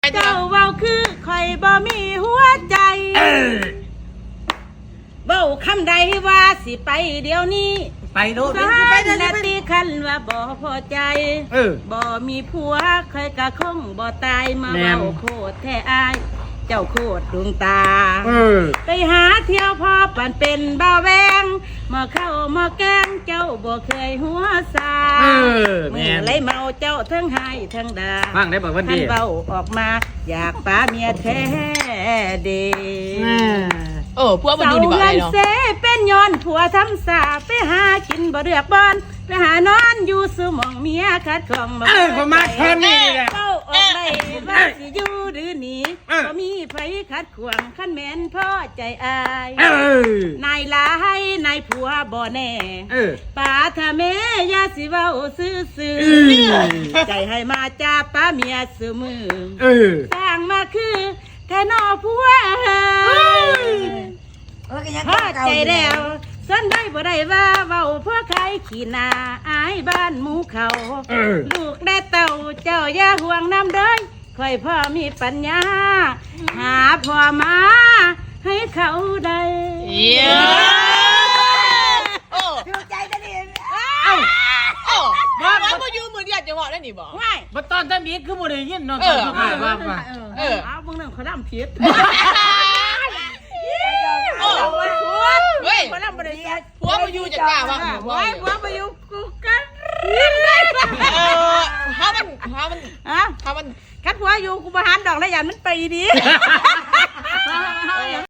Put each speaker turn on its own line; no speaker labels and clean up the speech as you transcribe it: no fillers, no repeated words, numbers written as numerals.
เจ้าเว้าคือคอยบ่มีหัวใจเว้าคำใดว่าสิไปเดี๋ยวนี้
ไปโลด
นาทีคันว่าบ่พอใจบ่มีผัวใครกะคงบ่ตายมาเว้าโคตรแท้อายเจ้าโคตรดวงตาไปหาเที่ยวพอปั่นเป็นบ่าวแวงมาเข้ามาแกงเจ้าบ่เคยหัวซาเมื่อไรเมาเจ้าทั้งให้ทั้งด่า
ฟังได้บอกว่าดี
เบาออกมาอยากป้าเมียแท้เด
พวกมันดูดีกว่าเลยเนาะ
เสเป็นย้อนผัวทำสาไปหากินบ่เลือกบอนไปหานอนอยู่สมองเมียคัดของบ่
ผมมาแค่นี้แหละ
เบ้าออกได้ว่าสิอยู่หรือหนีบ่มีไผคัดขวางขั้นแม่นพ่อใจอายนายลายนายผัวบ่แน่ป้าถ้าแม่อย่าสิเว้าซื่อใจให้มาจ้าป้าเมียซื่อมือสร้างมาคือแค่นอผัวพ่อใจแล้วส่วนได้บ่ได้ว่าเว้าเพื่อใครขี้หน้าอายบ้านหมูเขาลูกได้เต่าเจ้าอย่าห่วงน้ำเด้ยค่อยพ่อมีปัญญาหาพ่อมาให้เขาได้
ถูกใจจะดีว่าพยูมือเดียวจะบอกได้หนิบอก
ไม่
มาตอนท่านมีคือบ่ได้ยินนอนตอนเขาขายว่า
เอาพวกนั้นเขาดำผิด
ผัวมาอยู่จะกล้าว่า
ผัวมาอยู่กูกัน
ถ้ามัน
คัดผัวอยู่กูบาหารดอกแล้วยันมันไปดี